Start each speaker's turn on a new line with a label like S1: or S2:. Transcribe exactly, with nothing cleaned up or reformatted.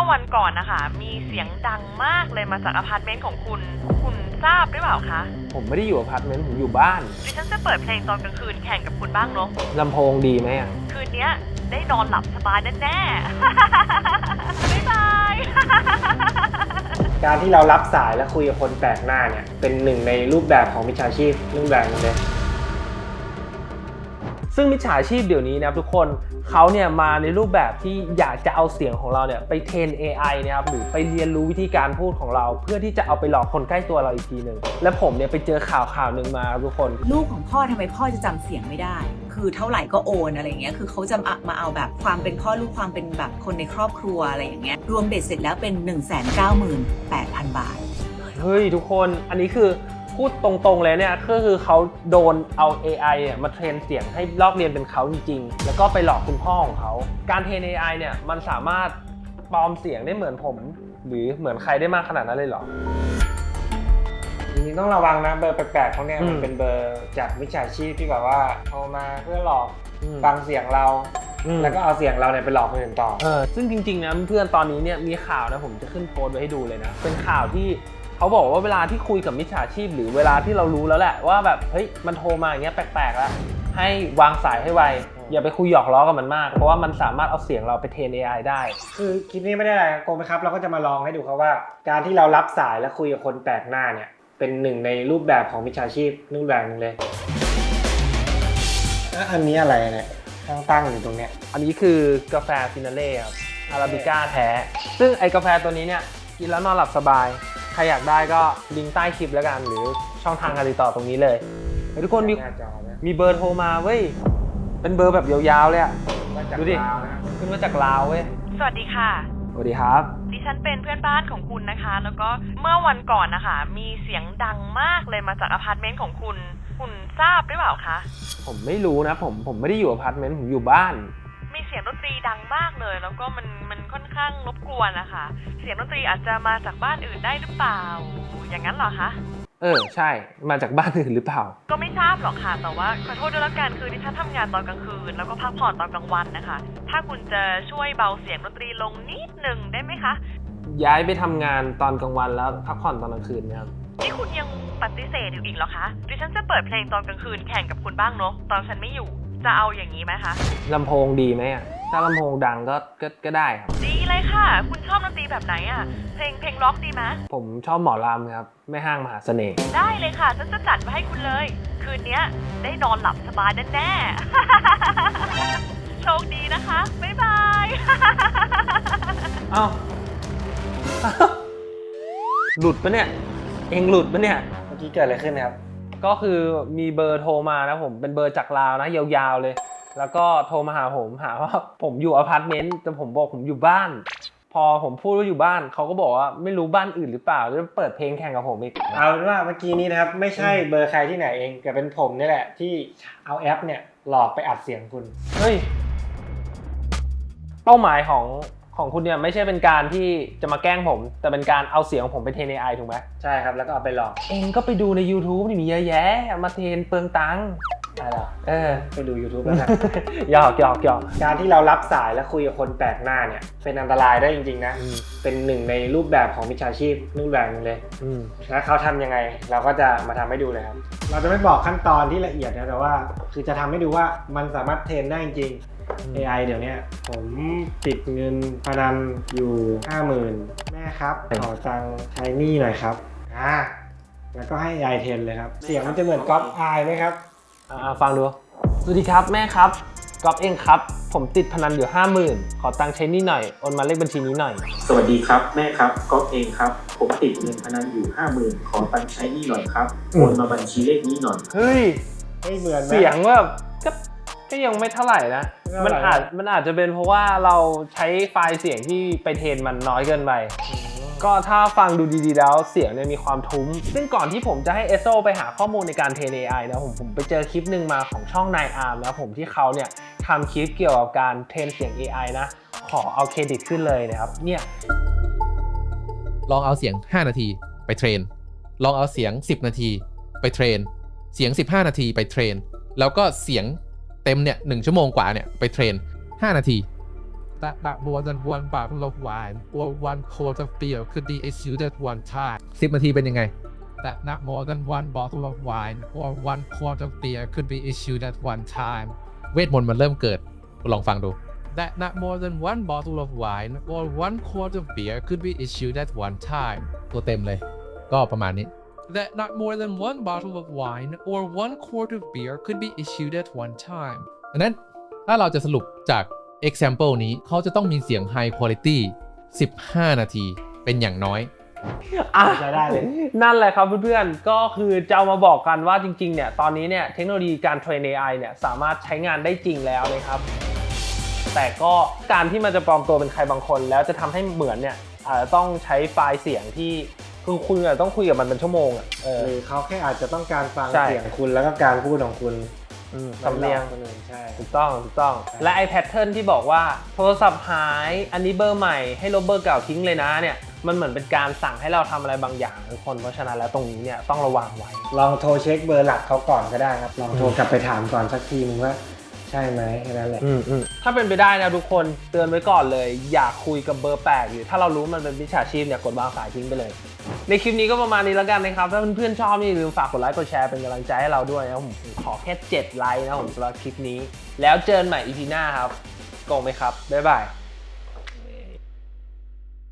S1: อวันก่อนนะคะมีเสียงดังมากเลยมาจากอพาร์ตเมนต์ของคุณคุณทราบหรือเปล่าคะ
S2: ผมไม่ได้อยู่อพาร์ตเมนต์ผมอยู่บ้าน
S1: ดิฉันจะเปิดเพลงตอนกลางคืนแข่งกับคุณบ้างเนาะ
S2: ลำโพงดีไหมอ่ะ
S1: คืนนี้ได้นอนหลับสบายแน่ๆบ๊ายบาย
S3: การที่เรารับสายและคุยกับคนแปลกหน้าเนี่ยเป็นหนึ่งในรูปแบบของมิจฉาชีพรูปแบบนึงเลย
S2: ซึ่งมิจฉาชีพเดี๋ยวนี้นะครับทุกคนเขาเนี่ยมาในรูปแบบที่อยากจะเอาเสียงของเราเนี่ยไปเทรน เอ ไอ นะครับหรือไปเรียนรู้วิธีการพูดของเราเพื่อที่จะเอาไปหลอกคนใกล้ตัวเราอีกทีหนึ่งและผมเนี่ยไปเจอข่าวข่าวหนึ่งมาทุกคน
S4: ลูกของพ่อทำไมพ่อจะจำเสียงไม่ได้คือเท่าไหร่ก็โอนอะไรเงี้ยคือเขาจะมาเอาแบบความเป็นพ่อลูกความเป็นแบบคนในครอบครัวอะไรอย่างเงี้ยรวมเบ็ดเสร็จแล้วเป็น หนึ่งแสนเก้าหมื่นแปดพัน บาท
S2: เฮ้ยทุกคนอันนี้คือพูดตรงๆเลยเนี่ยก็คือเขาโดนเอา เอ ไอ เนี่ยมาเทรนเสียงให้ลอกเรียนเป็นเขาจริงๆแล้วก็ไปหลอกคุณพ่อของเขาการเทรน เอ ไอ เนี่ยมันสามารถปลอมเสียงได้เหมือนผมหรือเหมือนใครได้มากขนาดนั้นเลยเหรอ
S3: จริงๆต้องระวังนะเบอร์แปลกๆเขาเนี่ยมันเป็นเบอร์จากมิจฉาชีพที่แบบว่าโทรมาเพื่อหลอกฟังเสียงเราแล้วก็เอาเสียงเราเนี่ยไปหลอกคนอื่นต่อ
S2: เออซึ่งจริงๆนะเพื่อนตอนนี้เนี่ยมีข่าวนะผมจะขึ้นโพสต์ไว้ให้ดูเลยนะเป็นข่าวที่เขาบอกว่าเวลาที่คุยกับมิจฉาชีพหรือเวลาที่เรารู้แล้วแหละว่าแบบเฮ้ยมันโทรมาอย่างเงี้ยแปลกๆแล้วให้วางสายให้ไวอย่าไปคุยหยอกล้อกับมันมากเพราะว่ามันสามารถเอาเสียงเราไปเทรน เอ ไอ ได้
S3: คือคลิปนี้ไม่ได้อะไรโกงไหมครับเราก็จะมาลองให้ดูครับว่าการที่เรารับสายและคุยกับคนแปลกหน้าเนี่ยเป็นหนึ่งในรูปแบบของมิจฉาชีพรูปแบบนึงเลยอันนี้อะไรเนี่ยตั้งๆอยู่ตรงเนี้ย
S2: อันนี้คือกาแฟฟินาเล่ครับอาราบิก้าแท้ซึ่งไอกาแฟตัวนี้เนี่ยกินแล้วนอนหลับสบายใครอยากได้ก็ลิงก์ใต้คลิปแล้วกันหรือช่องทางการติดต่อตรงนี้เลยทุกคนมีมีเบอร์โทรมาเว้ยเป็นเบอร์แบบยาวๆเลยอ่ะดูดิขึ้นมาจากลาวเว้ย
S1: สวัสดีค่ะ
S2: สวัสดีครับ
S1: ดิฉันเป็นเพื่อนบ้านของคุณนะคะแล้วก็เมื่อวันก่อนนะคะมีเสียงดังมากเลยมาจากอพาร์ตเมนต์ของคุณคุณทราบหรือเปล่าคะ
S2: ผมไม่รู้นะผมผมไม่ได้อยู่อพาร์ตเมนต์ผมอยู่บ้าน
S1: มีเสียงดนตรีดังมากเลยแล้วก็มันมันค่อนข้างรบกวนนะคะเสียงดนตรีอาจจะมาจากบ้านอื่นได้หรือเปล่าอย่างนั้นเหรอคะ
S2: เออใช่มาจากบ้านอื่นหรือเปล่า
S1: ก็ไม่ทราบหรอกค่ะแต่ว่าขอโทษด้วยละกันคือดิฉันทำงานตอนกลางคืนแล้วก็พักผ่อนตอนกลางวันนะคะถ้าคุณจะช่วยเบาเสียงดนตรีลงนิดนึงได้ไหมคะ
S2: ย้ายไปทำงานตอนกลางวันแล้วพักผ่อนตอนกลางคืนนะครับ
S1: นี่คุณยังปฏิเสธอยู่อีกเหรอคะดิฉันจะเปิดเพลงตอนกลางคืนแข่งกับคุณบ้างเนาะตอนฉันไม่อยู่จะเอาอย่างนี้ไหมคะ
S2: ลำโพงดีไหมอ่ะถ้าลำโพงดังก็ก็ก็ได้ครับ
S1: ดีเลยค่ะคุณชอบดนตรีแบบไหนอ่ะเพลงเพลงร็อกดีไหม
S2: ผมชอบหมอลำครับแม่ห้างมหาเสน่ห์
S1: ได้เลยค่ะฉันจะจัดไว้ให้คุณเลยคืนนี้ได้นอนหลับสบายแน่ๆโชคดีนะคะบ๊ายบาย
S2: เอ้าหลุดปะเนี่ยเองหลุดปะเนี่ย
S3: เมื่อกี้เกิดอะไรขึ้นครับ
S2: ก็คือมีเบอร์โทรมานะผมเป็นเบอร์จากลาวนะยาวๆเลยแล้วก็โทรมาหาผมหาว่าผมอยู่อพาร์ตเมนต์แต่ผมบอกผมอยู่บ้านพอผมพูดว่าอยู่บ้านเขาก็บอกว่าไม่รู้บ้านอื่นหรือเปล่าจะเปิดเพลงแข่งกับผมอีก
S3: เอาเป็นว่าเมื่อกี้นี้นะครับไม่ใช่เบอร์ใครที่ไหนเองแต่เป็นผมนี่แหละที่เอาแอปเนี่ยหลอกไปอัดเสียงคุณ
S2: เฮ้ยเป้าหมายของของคุณเนี่ยไม่ใช่เป็นการที่จะมาแกล้งผมแต่เป็นการเอาเสียงของผมไปเทรน เอ ไอ ถูกไหม
S3: ใช่ครับแล้วก็เอาไปหลอก
S2: เองก็ไปดูใน YouTube นี่มีเยอะแยะมาเทรนเปลืองตังค์
S3: อะไรหรอ
S2: เออ
S3: ไปดู YouTube แล้วกัน
S2: หยอกหยอกหยอก
S3: การที่เรารับสายและคุยกับคนแปลกหน้าเนี่ยเป็นอันตรายได้จริงๆนะเป็นหนึ่งในรูปแบบของมิจฉาชีพรูปแบบนึงเลยแล้วเขาทำยังไงเราก็จะมาทำให้ดูเลยครับเราจะไม่บอกขั้นตอนที่ละเอียดนะแต่ว่าคือจะทำให้ดูว่ามันสามารถเทรนได้จริงเอ ไอ เดี๋ยวนี้ผมติดเงินพนันอยู่ ห้าหมื่น แม่ครับขอตังค์ใช้หนี้หน่อยครับอ่าแล้วก็ให้ เอ ไอ เทรนเลยครับเสียงมันจะเหมือนก๊อปอายไหมครับ
S2: อ่าฟังดูสวัสดีครับแม่ครับก๊อปเองครับผมติดพนันอยู่ ห้าหมื่น ขอตังค์ใช้หนี้หน่อยโอนมาเลขบัญชีนี้หน่อย
S5: สวัสดีครับแม่ครับก๊อปเองครับผมติดเงินพนันอยู่ ห้าหมื่น ขอตังค์ใช้หนี้หน่อยครับโอนมาบัญชีเลขนี้หน่อย
S2: เฮ้ย
S3: ไม่เหมือน
S2: เสียงแบบก็ก็ยังไม่เท่าไหร่นะมันอาจมันอาจจะเป็นเพราะว่าเราใช้ไฟล์เสียงที่ไปเทรนมันน้อยเกินไปก็ถ้าฟังดูดีๆแล้วเสียงเนี่ยมีความทุ้มซึ่งก่อนที่ผมจะให้เอสโซไปหาข้อมูลในการเทรน เอ ไอ นะผมผมไปเจอคลิปหนึ่งมาของช่องนายอาร์มนะผมที่เขาเนี่ยทำคลิปเกี่ยวกับการเทรนเสียง เอ ไอ นะขอเอาเครดิตขึ้นเลยนะครับเนี่ย
S6: ลองเอาเสียงห้านาทีไปเทรนลองเอาเสียงสิบนาทีไปเทรนเสียงสิบห้านาทีไปเทรนแล้วก็เสียงเต็มเนี่ยหนึ่งชั่วโมงกว่าเนี่ยไปเทรนห้านาที that not more than one bottle of wine or one quart of beer could be issued at one time สิบนาทีเป็นยังไง that not more than one bottle of wine or one quart of beer could be issued at one time เวทมนต์มันเริ่มเกิดลองฟังดู that not more than one bottle of wine or one quart of beer could be issued at one time ตัวเต็มเลยก็ประมาณนี้ that not more than one bottle of wine or one quart of beer could be issued at one time ดังนั้นถ้าเราจะสรุปจาก example นี้เขาจะต้องมีเสียง high quality สิบห้านาทีเป็นอย่างน้อย
S2: อ่ะ
S3: ใช้ได้เลย
S2: นั่นแหละครับเพื่อนๆก็คือจะเอามาบอกกันว่าจริงๆเนี่ยตอนนี้เนี่ยเทคโนโลยีการเทรน เอ ไอ เนี่ยสามารถใช้งานได้จริงแล้วนะครับแต่ก็การที่มันจะปลอมตัวเป็นใครบางคนแล้วจะทำให้เหมือนเนี่ยอาจจะต้องใช้ไฟล์เสียงที่คือคุณอาจจะต้องคุยกับมันเป็นชั่วโมงอ่ะเออ
S3: หรือเขาแค่อาจจะต้องการฟัง
S2: ใช่
S3: เสียงคุณแล้วก็การพูดของคุณ
S2: อืมสำเนียง
S3: คนอื่นใช่
S2: ถูกต้องถูกต้องและไอ้แพทเทิร์นที่บอกว่าโทรศัพท์หายอันนี้เบอร์ใหม่ให้ลบเบอร์เก่าทิ้งเลยนะเนี่ยมันเหมือนเป็นการสั่งให้เราทำอะไรบางอย่างทุกคนเพราะฉะนั้นแล้วตรงนี้เนี่ยต้องระวังไว้
S3: ลองโทรเช็คเบอร์หลักเขาก่อนก็ได้ครับลองโทรกลับไปถามก่อนสักทีนึงว่าใช่ไหมแค่นั้นแหละ
S2: อืมอืมถ้าเป็นไปได้นะทุกคนเตือนไว้ก่อนเลยอย่าคุยกับเบอร์แปลกหรือถ้าเรารู้มันเป็นมิจฉาชีพเนี่ยกดวางสายทิ้งไปเลยในคลิปนี้ก็ประมาณนี้แล้วกันนะครับถ้าเพื่อนๆชอบนี่อย่าลืมฝากกดไลค์กดแชร์เป็นกำลังใจให้เราด้วยนะผมขอแค่เจ็ดไลค์นะผมสำหรับคลิปนี้แล้วเจอกันใหม่ อี พี หน้าครับโกงไหมครับบ๊ายบาย